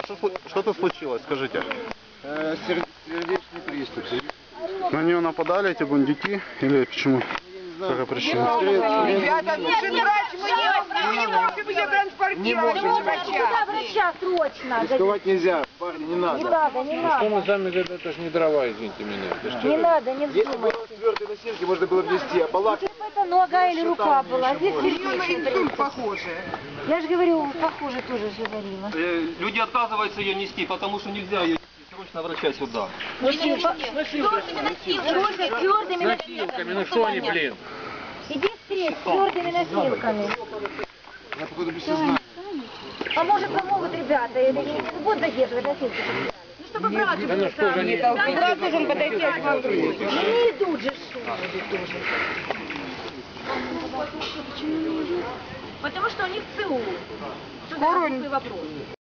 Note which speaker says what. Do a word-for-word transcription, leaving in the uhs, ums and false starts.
Speaker 1: что, слу- что-то случилось, скажите.
Speaker 2: Э, сер- сердечный приступ.
Speaker 1: На нее нападали эти бандюки или почему? Какая причина?
Speaker 3: Ребята, ну врач, мы не, мы не можем ее транспортировать.
Speaker 2: Не можем.
Speaker 4: Куда врача срочно?
Speaker 2: Рисковать нельзя, парни, не
Speaker 4: Не
Speaker 2: надо.
Speaker 4: надо, не
Speaker 5: Что мы
Speaker 4: надо.
Speaker 5: сами, это ж не дрова, извините меня. Это ж
Speaker 4: Не надо, не
Speaker 2: Если бы
Speaker 4: вздумайте.
Speaker 2: было твердые носилки, можно было внести, а палатки...
Speaker 4: Если бы это нога или рука была, здесь
Speaker 3: У нее на
Speaker 4: сердечный
Speaker 3: инсульт
Speaker 4: приступ.
Speaker 3: похоже.
Speaker 4: Я же говорю, похоже тоже же говорила.
Speaker 6: Э, Люди отказываются ее нести, потому что нельзя ее нести. Срочно врача сюда.
Speaker 4: Слушай, с твердыми
Speaker 5: носилками, ну что они, блин?
Speaker 4: Иди встреч с твердыми носилками.
Speaker 2: Я походу без сознания.
Speaker 4: А может помогут ребята, или не будут задерживать носилки? Ну, чтобы брат
Speaker 5: Да ну что же они?
Speaker 3: Брат должен подойти к вам.
Speaker 4: не идут же шум.
Speaker 7: Потому что у них ЦУ.
Speaker 3: Скорую
Speaker 7: Вопрос.